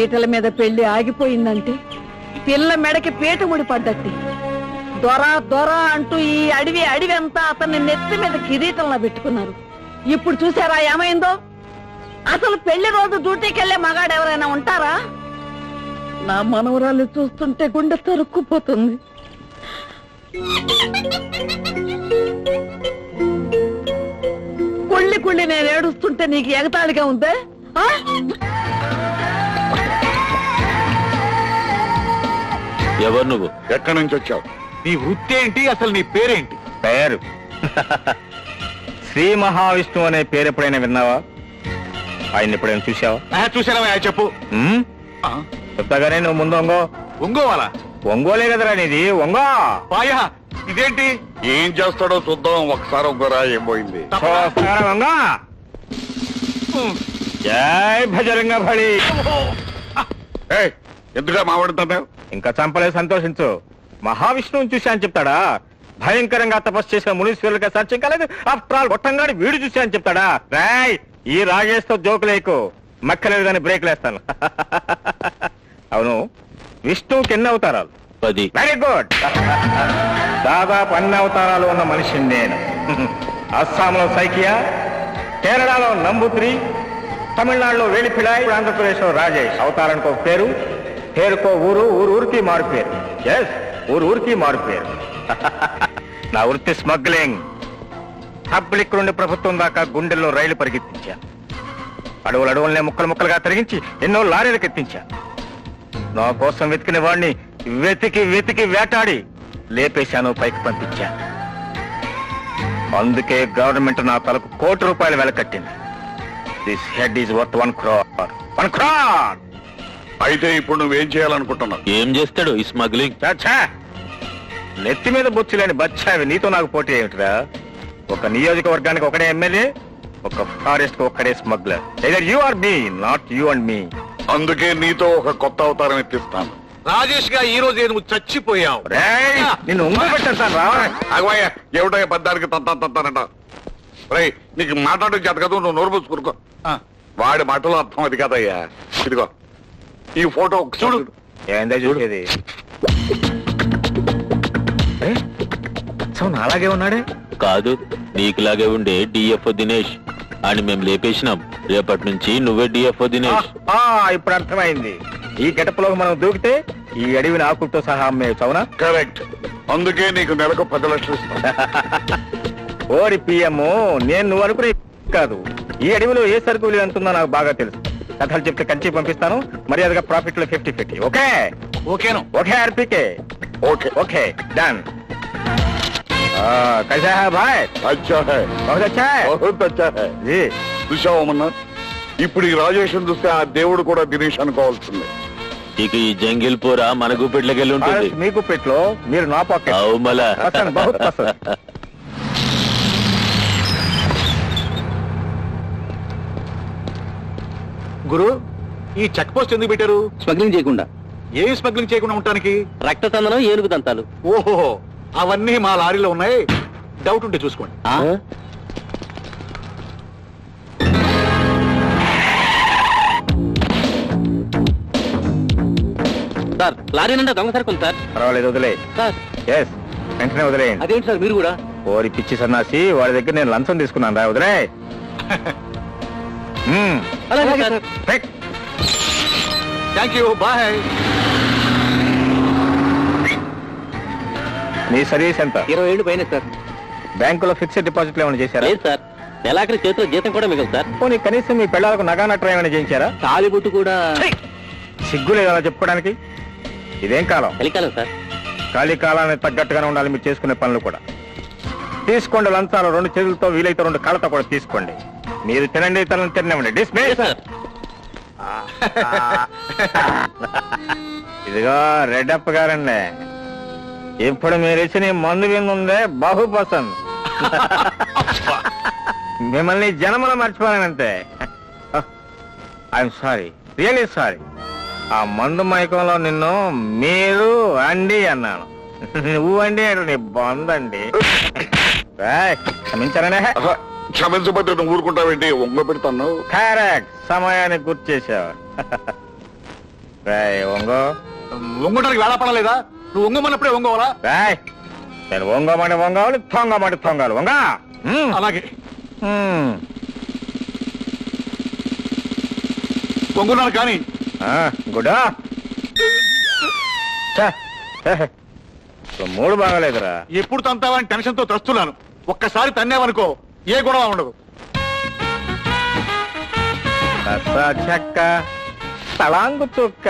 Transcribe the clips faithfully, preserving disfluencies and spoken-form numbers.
పీటల మీద పెళ్లి ఆగిపోయిందంటే పిల్ల మెడకి పీట ముడి పడ్డట్టి. దొర దొర అంటూ ఈ అడవి అడవి అంతా అతన్ని నెత్తి మీద కిరీటంలా పెట్టుకున్నారు. ఇప్పుడు చూసారా ఏమైందో? అసలు పెళ్లి రోజు డ్యూటీకి వెళ్లే మగాడు ఎవరైనా ఉంటారా? నా మనవరాలు చూస్తుంటే గుండె తరుక్కుపోతుంది. కుళ్ళి కుళ్ళి నేను ఏడుస్తుంటే నీకు ఎగతాళిగా ఉందే? ఎవరు నువ్వు? ఎక్కడి నుంచి వచ్చావు? నీ వృత్తి ఏంటి? అసలు నీ పేరేంటి? పేరు శ్రీ మహావిష్ణువు అనే పేరు ఎప్పుడైనా విన్నావా? ఆయన ఎప్పుడైనా చూసావా? చూసారా? చెప్పు. చెప్తాగానే నువ్వు ముందు ఒంగో. ఒంగోవాలా? ఒంగోలే కదరా నీది, ఒంగో. పాయా ఇదేంటి? ఏం చేస్తాడో చూద్దాం. ఒకసారి ఒంగోరా ఏం పోయింది. ఒంగో. జై భజరంగ బలి. ఎందుగా మాట్లాడుతున్నావు? ఇంకా చంపలే, సంతోషించు. మహావిష్ణువుని చూశా అని చెప్తాడా? భయంకరంగా తపస్సు చేసిన మునీశ్వరులకి సాధ్యం కాలేదు. ఆఫ్టర్ ఆల్ గొట్టంగాడి వీడు చూశా అని చెప్తాడా? రాయ్, ఈ రాగేస్తో జోకులేకు, మక్కలేదు కానీ బ్రేక్ లేస్తాను. అవును, విష్ణువుకి ఎన్ని అవతారాలు? పది. Very good. దాదాపు అన్ని అవతారాలు ఉన్న మనిషిని నేను. అస్సాంలో సైకియా, కేరళలో నంబూత్రి, తమిళనాడులో వేలిపిడాయ్, ఆంధ్రప్రదేశ్లో రాజేష్. అవతారానికి ఒక పేరు, పేరుకో ఊరు, ఊరు ఊరికి మారు పేరు. ఎస్, ఊరు ఊరికి మారు పేరు. నా వృత్తి స్మగ్లింగ్. పబ్లిక్ నుండి ప్రభుత్వం దాకా గుండెల్లో రైలు పరిగెత్తించా. అడవులు అడవులనే ముక్కలు ముక్కలుగా తరిగించి ఎన్నో లారీలకు ఎత్తించా. నా కోసం వెతికిన వాడిని వెతికి వెతికి వేటాడి లేపేశాను, పైకి పంపించా. అందుకే గవర్నమెంట్ నా తలకు కోటి రూపాయలు వెలకట్టింది. This head is worth one crore. One crore. అయితే ఇప్పుడు నువ్వేం చేయాలనుకుంటున్నావు? ఏం చేస్తాడు ఈ స్మగ్లింగ్? నెత్తి మీద బొచ్చులేని బచ్చావి నీతో నాకు పోటీ ఏమిటిరా? ఒక నియోజకవర్గానికి ఒకడే ఎమ్మెల్యే, ఒక ఫారెస్ట్ కు ఒక్కడే smuggler. Either you are me, not you and me. అందుకే నీతో ఒక కొత్త అవతారం ఎత్తిస్తాను. రాజేష్ గా ఈ రోజే నువ్వు చచ్చిపోయావు. నిన్ను ఉంగ పెట్టేస్తాను రా. అగవయ్య, ఏమిటో పద్దానికి తంతా తంతానంట. రై, నీకు మాట్లాడడం చేత కదా, నువ్వు నోరు పూసుకురుకో. వాడి మాటలో అర్థం అది కదయ్యా. ఇదిగో ఈ ఫోటో చూడు. ఏందో చూడేది? అలాగే ఉన్నాడే. కాదు, నీకులాగే ఉండే డిఎఫ్ఓ దినేష్ అని మేము లేపేసినాం. రేపటి నుంచి నువ్వే డిఎఫ్ఓ దినేష్. ఇప్పుడు అర్థమైంది. ఈ గెటప్లోకి మనం దూకితే ఈ అడవిని ఆకులతో సహా అమ్మేయచ్చు. అవునా? కరెక్ట్. అందుకే నీకు నెలకు పది లక్షలు ఇస్తాను. ఓరి పిఎం, నేను నువ్వు అనుకునే కాదు. ఈ అడవిలో ఏ సరుకు విలువ ఎంతుందో నాకు బాగా తెలుసు. కథలు చెప్తే కంచి పంపిస్తాను. మర్యాదగా ప్రాఫిట్ లో ఫిఫ్టీ ఫిఫ్టీ. ఓకే? ఓకేను. Okay RPK. Okay okay done. कैसा है भाई? अच्छा है, बहुत अच्छा है, बहुत अच्छा है जी. చూసావమ్మన్నా, ఇప్పుడు ఈ రాజేషన్ చూస్తే ఆ దేవుడు కూడా దినేష్ అనుకోవాల్సిందే. ఇక ఈ జంగిల్ పూర మన గుప్పెట్లోకి వెళ్ళి ఉంటుంది. మీ గుప్పెట్లో, మీరు నా పాకెట్. అవు మళ్ళా పసంద్, బహుత్ పసంద్. గురు, ఈ చెక్ పోస్ట్ ఎందుకు పెట్టారు? స్మగ్లింగ్ చేయకుండా. ఏం స్మగ్లింగ్ చేయకుండా ఉండటానికి? రక్త తందనం, ఏనుగు దంతాలు. ఓహో, అవన్నీ మా లారీలో ఉన్నాయి. డౌట్ ఉంటే చూసుకోండి. సార్, లారీ నిండా దొంగ సరుకుంది సార్. పర్వాలేదు, వదిలే సార్. ఎస్, వెంటనే వదిలేయండి. అదేంటి సార్ మీరు కూడా? ఓరి పిచ్చి సన్నాసి, వాడి దగ్గర నేను లంచం తీసుకున్నాను రా. వదిలే. అలాగే సార్. Thank you, bye. మీ సర్వీస్ ఎంత? ఇరవై ఏళ్ళు పైన సార్. బ్యాంకులో ఫిక్స్డ్ డిపాజిట్లు ఏమైనా చేశారా? లేదు సార్. నెలాఖరి చేతిలో జీతం కూడా మిగలదు సార్. పోనీ కనీసం మీ పిల్లలకు నగా నట్రం ఏమైనా చేయించారా? తాలిబుట్టు కూడా. సిగ్గు లేదు అలా చెప్పుకోవడానికి? ఇదేం కాలం? చలికాలం సార్. ఖాళీ కాలానికి తగ్గట్టుగానే ఉండాలి మీరు చేసుకునే పనులు కూడా. తీసుకోండి లంచాలు, రెండు చేతులతో వీలైతే రెండు కాళ్ళతో కూడా తీసుకోండి. మీరు తినండి, తనని తినండి. డిస్మిస్. ఇదిగో రెడ్డప్ప గారండి, ఇప్పుడు మీరు ఇచ్చిన మందు విందుందే బహు పసంద్. మిమ్మల్ని జనములు మర్చిపోయానంతే. I'm sorry, really sorry. ఆ మందు మైకంలో నిన్ను మీరు అండి అన్నాను. నువ్వు అండి అంటే నీ బందండి. క్షమించారనే. క్షమించబట్టి నువ్వు ఊరుకుంటావేంటి? ఒంగ పెడతాను. కరెక్ట్, సమయానికి గుర్తు చేశావు. రాయ్ ఒంగో. ఒంగడానికి వేళపడలేదా? నువ్వు ఒంగమన్నప్పుడే ఒంగోవాలా? రాయ్ నేను ఒంగోమంటే ఒంగోవాలి, తొంగమంటే తొంగాలి. ఒంగా. అలాగే ఒంగున్నాను కానీ గుడా మూడు బాగాలేదురా. ఎప్పుడు తంతావని టెన్షన్ తో తెస్తున్నాను. ఒక్కసారి తన్నేవనుకో ఏ గొడవ ఉండదు. చెక్క తలాంగు చుక్క.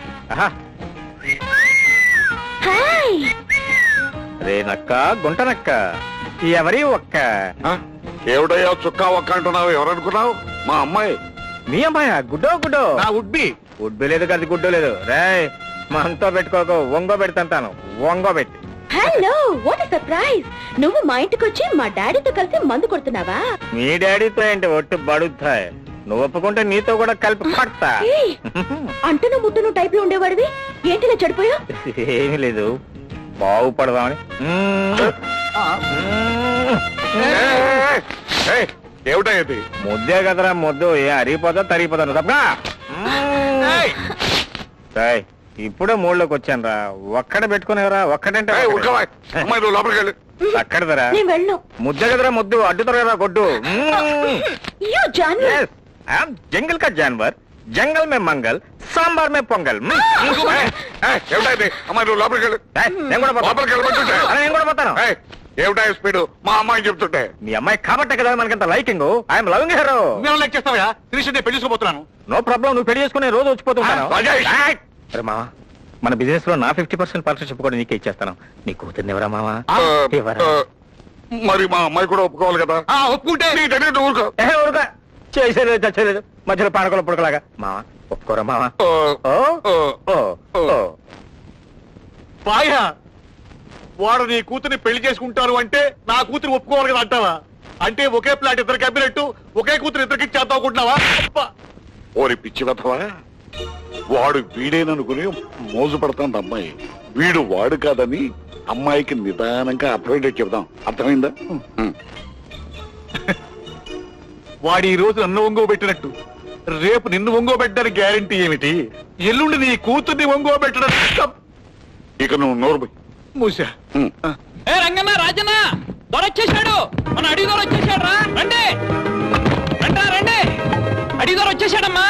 రేనక్క గుంటనక్క ఎవరి ఒక్క. ఏమిటయ్యా చుక్కా ఒక్క అంటున్నావు? ఎవరనుకున్నావు? మా అమ్మాయి. మీ అమ్మాయ? గుడ్డో గుడ్డో? నా ఉడ్బి. ఉడ్బి లేదు కదా, గుడ్డో లేదు. రే మనతో పెట్టుకోకు, ఒంగో పెడతాను. ఒంగో పెట్టి. Hello, what is surprise? నువ్వు మా ఇంటికి వచ్చి మా డాడీతో కలిసి మందు కొడుతున్నావా? మీ డాడీతో ఏంటి ఒట్టు బడుతాయి. నువ్వు ఒప్పుకుంటే నీతో కూడా కలిపి పడతా. అంటును ముట్టును టైప్ లో ఉండేవాడివి ఏంటిలా చెడిపోయా? ఏమీ లేదు, బాగుపడదామని. ఏమిటది? ముద్దే కదరా ముద్దు. ఏ అరిగిపోతా తరిగిపోతాను తప్పగా. ఇప్పుడే మూడులోకి వచ్చాను రా. ఒక్కడ పెట్టుకునేవరా? ఒక్కడంటే అమ్మాయి నువ్వు లోపలికి వెళ్ళి. అక్కడదరా నేను వెళ్ళను. ముద్దే కదరా ముద్దు. అడ్డుతారు కదా కొట్టు. జంగల్ కా జాన్వర్, జంగల్ మే మంగల్, సాంబార్ మే పొంగల్. ఏమిటది? అమ్మాయి నువ్వు లోపలికి వెళ్ళి. నేను కూడా లోపలికి వెళ్ళమంటుంటే నేను కూడా పోతాను. ఏమిటా స్పీడ్? మా అమ్మాయి చెప్తుంటే. మీ అమ్మాయి కాబట్టే కదా మనకంత లైకింగ్. I'm loving her. నేను లైక్ చేస్తావా? త్రిషని పెళ్లి చేసుకోబోతున్నాను. నో ప్రాబ్లం, నువ్వు పెళ్లి చేసుకునే రోజు వచ్చిపోతున్నాను. అరే మావా, మన బిజినెస్ లో నా ఫిఫ్టీ పర్సెంట్ పార్ట్నర్షిప్ కూడా నీకే ఇచ్చేస్తాను. నీ కూతుర్ని ఎవరా మావా? మరి మా అమ్మాయి కూడా ఒప్పుకోవాలి కదా. ఒప్పుకుంటే ఊరుకో. ఊరుక చేసేది చచ్చేది మధ్యలో పానకొల పుడకలాగా. మావా ఒప్పుకోరా మావా? పాయా, వాడు నీ కూతుర్ని పెళ్లి చేసుకుంటారు అంటే నా కూతురు ఒప్పుకోవాలి కదా అంటావా? అంటే ఒకే ప్లాట్ ఇద్దరికి అమ్మినట్టు ఒకే కూతురు ఇద్దరికి చేద్దాం అనుకుంటున్నావా? ఓరి పిచ్చి వెధవా, వాడు వీడేననుకుని మోజు పడతాను అమ్మాయి. వీడు వాడు కాదని అమ్మాయికి నిదానంగా అర్థమైందే చెబుదాం. అర్థమైందా? వాడు ఈ రోజు నన్ను ఒంగోబెట్టినట్టు రేపు నిన్ను ఒంగోబెట్టడానికి గ్యారంటీ ఏమిటి? ఎల్లుండి నీ కూతుర్ని ఒంగోబెట్టడం. ఇక నువ్వు నోరు మూసా. ఏ రంగన్న, రాజన్న దొరొచ్చేసాడు. మన అడిగి దొర వచ్చేసాడు రా. రండి రండి రండి, అడిగి దొర వచ్చేసాడమ్మా.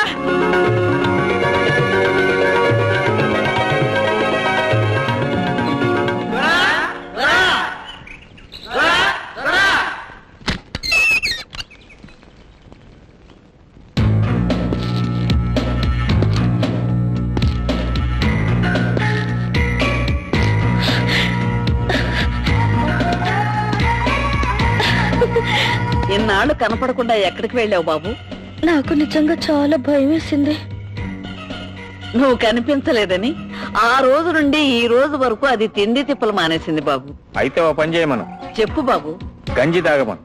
ఇన్నాళ్ళు కనపడకుండా ఎక్కడికి వెళ్ళావు బాబు? నాకు నిజంగా చాలా భయం వేసింది. నువ్వు కనిపించలేదని ఆ రోజు నుండి ఈ రోజు వరకు అది తిండి తిప్పలు మానేసింది బాబు. అయితే ఓ పని చేయమను. చెప్పు బాబు. గంజి తాగమను.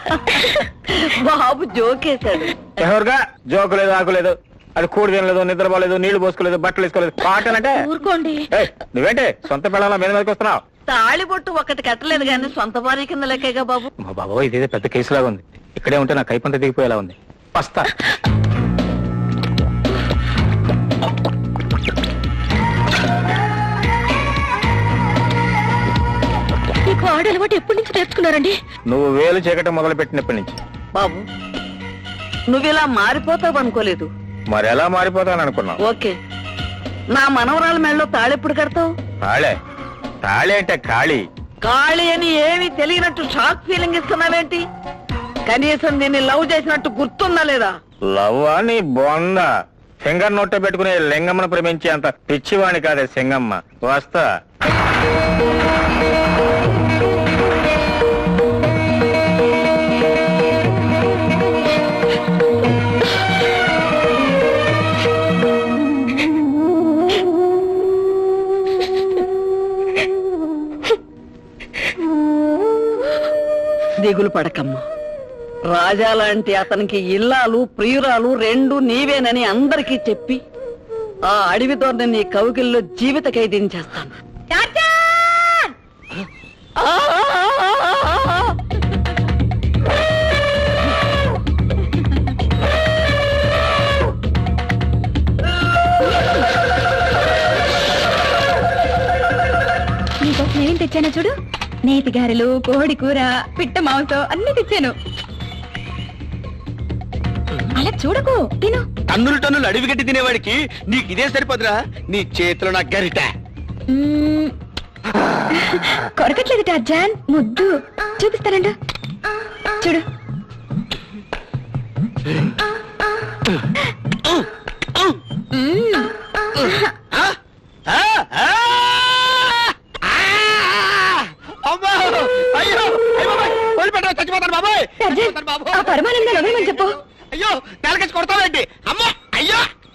బాబు జోకేశాడు. ఎవరుగా జోకు లేదు, ఆకు లేదు. అది కూడి తినలేదు, నిద్రపోలేదు, నీళ్లు పోసుకోలేదు, బట్టలు వేసుకోలేదు. పాటలంటే ఊరుకోండి. నువ్వేంటే సొంత పిల్లల మీద మీదకి వస్తున్నావు? తాళిబొట్టు ఒకటి కట్టలేదు గాని సొంత భార్య కింద లెక్కగా బాబు. మా బాబు ఇదేదో పెద్ద కేసులాగా ఉంది. ఇక్కడే ఉంటే నా కైపంత దిగిపోయేలా ఉంది. వస్తా. మీకు ఆడ అలవాటు ఎప్పటి నుంచి నేర్చుకున్నారండి? నువ్వు వేలు చీకటం మొదలు పెట్టినప్పటి నుంచి. బాబు నువ్వు ఇలా మారిపోతావు అనుకోలేదు. మరి ఎలా మారిపోతాను అనుకున్నావు? ఓకే, నా మనవరాల మెళ్ళలో తాళెప్పుడు కడతావు? తాళే? తాళి అంటే ఖాళీ. ఖాళీ అని ఏమీ తెలియనట్టు షాక్ ఫీలింగ్ ఇస్తున్నావేంటి? కనీసం దీన్ని లవ్ చేసినట్టు గుర్తుందా లేదా? లవ్ అని బొంద. సింగర్ నోట్లో పెట్టుకునే లింగమ్మను ప్రేమించే అంత పిచ్చివాణి కాదే సింగమ్మ. వస్తా. దిగులు పడకమ్మా. రాజా లాంటి అతనికి ఇల్లాలు ప్రియురాలు రెండు నీవేనని అందరికీ చెప్పి ఆ అడవి దొరని నీ కౌగిల్లో జీవిత ఖైదీని చేస్తాను. తెచ్చాను చూడు, నేతి గారెలు, కోడి కూర, పిట్ట మాంసం అన్ని తెచ్చాను. అలా చూడకు, తిను. టన్నులు టన్నులు అడవి గడ్డి తినేవాడికి నీకు ఇదే సరిపోదురా, నీ చేతిలో నా గరిట. మ్మ్. కొరకట్లేదు టార్జాన్, ముద్దు చూపిస్తానండు, చూడు. మ్మ్. చచ్చిపోతాను బాబాయ్, టార్జాన్, ఆ పరమానందాన్ని వదలమని చెప్పు. అయ్యో నెలకేసి కొడతావేంటి అమ్మా, అయ్యో